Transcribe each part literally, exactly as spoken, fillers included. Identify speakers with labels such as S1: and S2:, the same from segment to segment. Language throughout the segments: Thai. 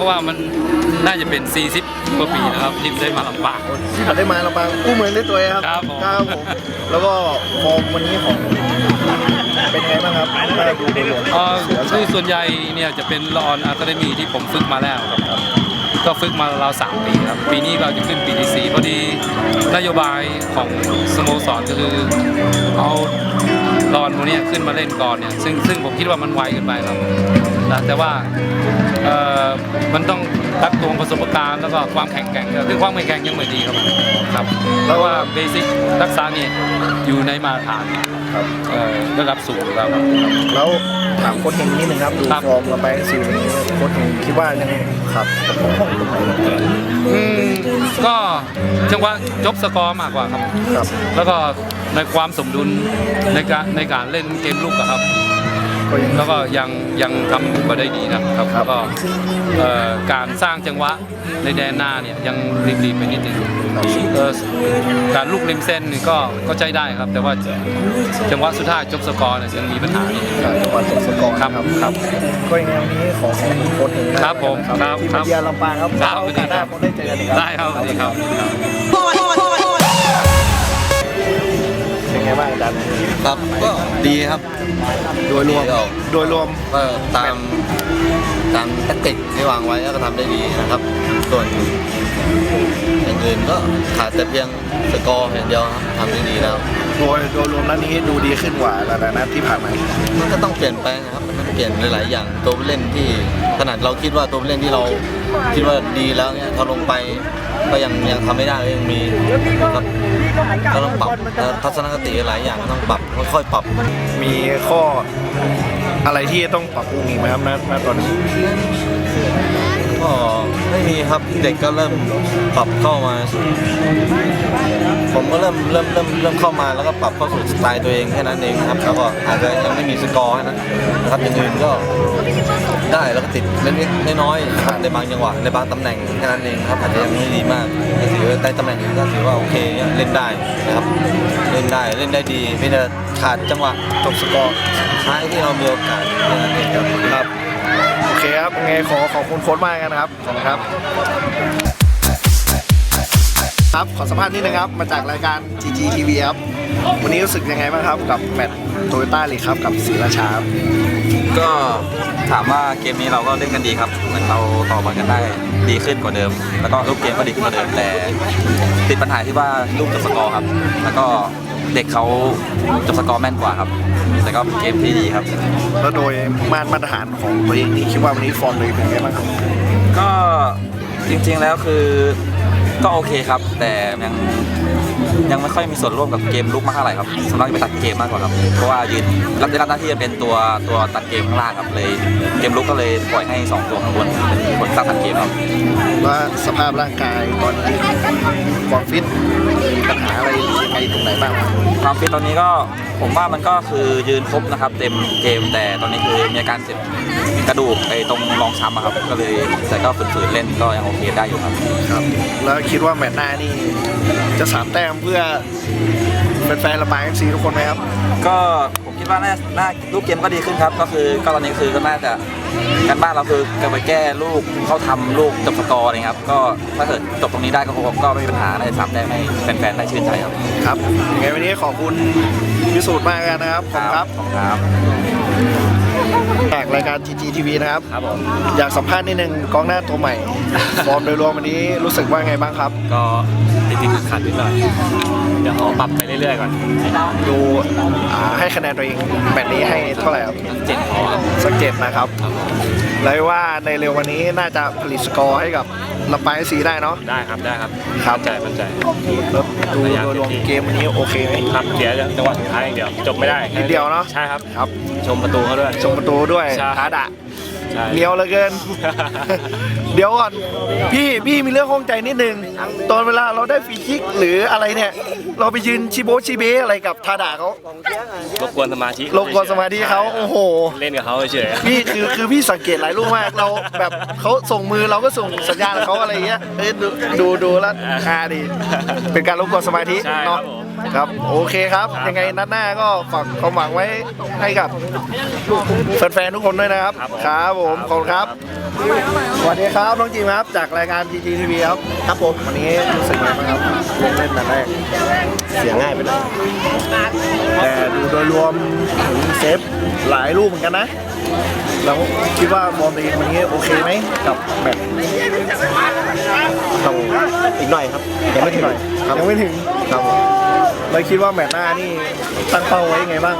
S1: ราะว่ามันน่าจะเป็นสี่สิบกว่าปีนะครับที่ได้มาลำปาง
S2: ที่ได้มาลำปางกู้มือได้ตัวเองครับ
S1: ครับผม
S2: ครับผมแล้วก็ฟอร์มวันนี้ของเป็นไงบ้างครับถ้าดูโดยรวม
S1: คือส่วนใหญ่เนี่ยจะเป็นละออนอะคาเดมีที่ผมฝึกมาแล้วครับก็ฝึกมาเราสามปีครับปีนี้เราจะขึ้นปีที่สี่พอดีนโยบายของสโมสรก็คือเอาลอนพวกนี้ขึ้นมาเล่นก่อนเนี่ยซึ่งซึ่งผมคิดว่ามันไวเกินไปครับนะแต่ว่าเอ่อมันต้องตักตวงประสบการณ์แล้วก็ความแข็งแกร่งซึ่งความแข็งแกร่งยังไม่ดีครับครับเพราะว่าเบสิกทักษะนี่อยู่ในมาตรฐานระดับสูงแล้วครับ
S2: แล้วถามโค้ชเฮงนิดนึงครับดูฟอร์มเราไปซีวันนี้โค้ชเฮงคิดว่ายังไงครับ
S1: อืมก็จังหวะจบสกอร์มากกว่าครับ
S2: ครับ
S1: แล้วก็ในความสมดุลในการในการเล่นเกมลุกครับแล้วก็ยังยังทำมาได้ดีนะครับแล้วก็การสร้างจังหวะในแดนหน้าเนี่ยยังรีบๆไปนิดนึงการลูกริมเส้นนี่ก็ก็ใจได้ครับแต่ว่าจังหวะสุดท้ายจบสกอร์เนี่ยยังมีปัญหา
S2: จังหวะจบสกอร์
S1: ครับครับ
S2: ก็อย่างนี้ขอขอบคุณโค้ชเฮง
S1: ครับผมครับ
S2: ที่มาเยือนลำปางครับ
S1: ครับสวัสดีครับ
S2: ได้เจอกันอีกครับ
S1: ได้ครับสวัสดีครับ
S2: เป็นไงบ้างอาจารย์
S3: ครับก็ดีครับ
S2: โดยรวมโดยรวม
S3: ก็ตามตามแทคติกที่วางไว้ก็ทำได้ดีนะครับส่วนอย่างอื่นก็ขาดแต่เพียงสกอร์อย่างเดียวครับทำได้ดีแล้ว
S2: โดยโดยรวมนัดนี้ดูดีขึ้นกว่าหลายๆนัดที่ผ่านมา
S3: มันก็ต้องเปลี่ยนแปลงนะครับมันเปลี่ยนหลายๆอย่างตัวผู้เล่นที่ขนาดเราคิดว่าตัวผู้เล่นที่เราคิดว่าดีแล้วเนี่ยพอลงไปก็ยังยังทำไม่ได้ยังมีครับก็ต้องปรับทัศนคติหลายอย่างต้องปรับค่อยๆปรับ
S2: มีข้ออะไรที่ต้องปรับปรุงอีกไหมครับณตอนนี้
S3: ก็ไม่มีครับเด็กก็เริ่มปรับเข้ามาผมก็เริ่มเริ่มเริ่มเริ่มเข้ามาแล้วก็ปรับเข้าสู่สไตล์ตัวเองแค่นั้นเองครับแล้วก็อาจจะยังไม่มีสกอร์นั้นนะครับอย่างอื่นก็ได้แล้วก็ติดเล็กๆน้อยๆในบางจังหวะในบางตำแหน่งแค่นั้นเองครับอาจจะยังไม่ดีมากแต่ถือว่าในตำแหน่งอื่นก็ถือว่าโอเคเล่นได้นะครับเล่นได้เล่นได้ดีไม่ได้ขาดจังหวะ
S2: จบสกอร์
S3: ท้ายที่เรามีโอกาสแค่นั้นเอง
S2: ครับโอเคครับไงขอขอบคุณโค้ชมากกันนะครับขอบคุณครับครับขอสัมภาษณ์นิดนึงครับมาจากรายการ จี จี ที วี ครับวันนี้รู้สึกยังไงบ้างครับกับแมตช์โตโยต้าลีกครับกับศรีราชา
S4: ก็ถามว่าเกมนี้เราก็เล่นกันดีครับเหมือนเราต่อบอลกันได้ดีขึ้นกว่าเดิมแล้วก็ลูกเกมก็ดีขึ้นกว่าเดิมแต่ติดปัญหาที่ว่าลูกจบสกอร์ครับแล้วก็เด็กเขาจบสกอร์แม่นกว่าครับแต่ก็เป็นเกมที่ดีครับ
S2: แล้วโดยมาตรฐานของตัวเองนี่คิดว่าวันนี้ฟอร์มตัวเองเป็นไงบ้างครับ
S4: ก็จริงๆแล้วคือก็โอเคครับแต่ยังยังไม่ค่อยมีส่วนร่วมกับเกมลุกมากเท่าไหร่ครับสำหรับไปตัดเกมมากกว่าครับเพราะว่ายืนรับได้รับหน้าที่จะเป็นตัวตัวตัดเกมข้างล่างครับเลยเกมลุกก็เลยปล่อยให้สองตัวข้างบนเป็นคนสร้างตัดเกมครับ
S2: ว่าสภาพร่างกายตอนนี้ความฟิตมีปัญหาอะไรยังไงตรงไหนบ้าง
S4: ความฟิตตอนนี้ก็ผมว่ามันก็คือยืนครบนะครับเต็มเกมแต่ตอนนี้คือมีอาการเจ็บกระดูกไอ้ตรงรองช้ำครับก็เลยแต่ก็ฝืนๆเล่นก็ยังโอเคได้อยู่ครับ
S2: ครับแล้วคิดว่าแมตช์หน้านี่จะสามแต้มเพื่อแฟนๆลำปาง เอฟ ซี ทุกคนไหมครับ
S4: ก็ผมคิดว่าน่าน่าลูกเกมก็ดีขึ้นครับก็คือก็ตอนนี้คือก็น่าจะการบ้านเราคือจะไปแก้ลูกเขาทำลูกจบสกอร์นะครับก็ถ้าเกิดจบตรงนี้ได้ก็คงก็ไม่มีปัญหาในสามแต้มให้แฟนๆได้ชื่นใจครับ
S2: ครับยังไงวันนี้ขอบคุณพิสูจน์มากกันนะครับขอบคุณครับ
S4: ขอบคุณครับ
S2: จากรายการ จี จี ที วี นะครับ
S4: ครับผม
S2: อยากสัมภาษณ์นิดนึงกองหน้าตัวใหม่ฟอร์มโดยรวมวันนี้รู้สึกว่าไงบ้างครับ
S4: ก็ติดติดขัดนิดหน่อยเดี๋ยวขอปรับไปเรื่อยๆก่อน
S2: ดูให้คะแนนตัวเองแมตช์นี้ให้เท่าไหร่ครับ
S4: เจ็ดพอ
S2: สักเจ็ดนะครับเลยว่าในเร็ววันนี้น่าจะผลิตสกอร์ให้กับลำปาง เอฟ ซี ได้เนาะ
S4: ได้ครับได้ครับ
S2: ครับ
S4: ใจมั่นใจ
S2: แล้วดูโดยรวมเกมวันนี้โอเคไหม
S4: ครับเสียจังหวะสุดท้ายอย่างเดียวจบไม่ได้
S2: นิดเดียวเนาะ
S4: ใช่ครับ
S2: ครับ
S4: ชมประตูเขาด้วย
S2: ชมประตูด้วยท้าดะเลี้ยวเหลือเกินเดี๋ยวก่อนพี่พี่มีเรื่องข้องใจนิดนึงตอนเวลาเราได้ฟรีคิกหรืออะไรเนี่ยเราไปยืนชิโบชิเบอะไรกับทาดะเขา
S4: รบกวนสมาธิ
S2: รบกวนสมาธิเขาโอ้โห
S4: เล่นกับเขาเฉย
S2: พี่คือคือพี่สังเกตหลายลูกมากเราแบบเขาส่งมือเราก็ส่งสัญญาณเขาอะไรเงี้ยดูดูดูแล้วฮาดีเป็นการรบกวนสมาธิเนาะครับโอเคครับ ยังไงนัดหน้าก็ฝากความหวังไว้ให้กับแฟนๆทุกคนด้วยนะครับครับผมขอบคุณครับสวัสดีครับน้องจิมครับจากรายการ จี จี ที วี ครับครับผมวันนี้รู้สึกยังไงบ้างครับลงเล่นนัดแรกเสียง่ายไปหน่อยแต่ดูโดยรวมถึงเซฟหลายลูกเหมือนกันนะแล้วคิดว่าบอลตัวเองวันนี้โอเคไหมกับแมตช์
S5: ต้องอีกหน่อยครับยังไม่ถึง
S2: หน่อยยังไม่ถึง
S5: ครับผม
S2: เลยคิดว่าแมตช์หน้านี่ตั้งเป้าไว้ยังไงบ้าง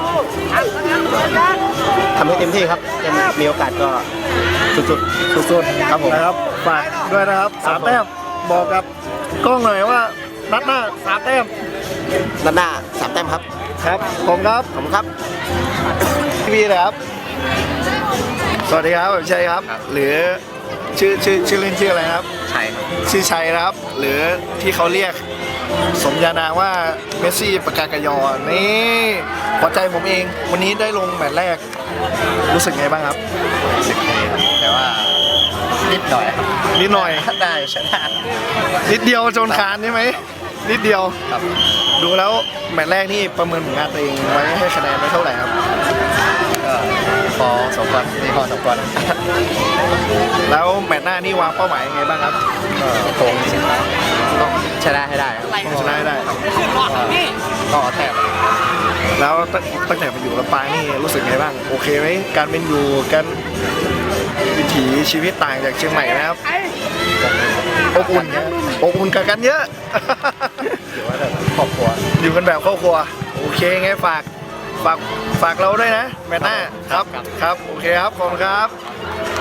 S5: ทำให้เต็มที่ครับยังมีโอกาสก็สุด
S2: สุดๆครับผมนะครับฝากด้วยนะครับสามแต้มบอกกับกล้องหน่อยว่านัดหน้าสามแต้ม
S5: ๆด้านหน้าสามแต้มครับ
S2: ครับผมครับ
S5: ขอบคุณครับ
S2: พี่นะครับ สวัสดีครับผมชัยครับ หรือชื่อชื่อชื่อเล่นชื่ออะไรครับ
S5: ใช่ครับ
S2: ชื่อชัยนะครับ หรือที่เขาเรียกสมญานามว่าเมสซี่ปากกากยอนี่หัวใจผมเองวันนี้ได้ลงแมตช์แรกรู้สึกไงบ้างครับ
S5: รู้สึกดีครับแต่ว่านิดหน่อยครับ
S2: นิดหน่อย
S5: ได้ชนะ
S2: นิดเดียวจนคานใช่ไหมนิดเดียว
S5: ครับ
S2: ดูแล้วแมตช์แรกนี่ประเมินผลงานตัวเองไว้ให้คะแนนไว้เท่าไหร่ครับ
S5: ก็พอสมควรนี่พอสมควร
S2: แล้วแมตช์หน้านี่วางเป้าหมายยังไงบ้างครับ
S5: ก็คงต้องชนะให้ได้ครับ
S2: ต้องชนะให้ได้
S5: ก็แต้ม
S2: แล้วตั้งตั้งแต่มาอยู่ลำปางนี่รู้สึกไงบ้างโอเคไหมการเป็นอยู่กันวิถีชีวิตต่างจากเชียงใหม่นะครับอบอุ่นอบอุ่นกับกันเยอะ
S5: ถือว่าแบบครอบครัว
S2: อยู่กันแบบครอบครัวโอเคไงฝากฝากฝากเราด้วยนะแมตช์หน้าครับครับโอเคครับขอบคุณครับ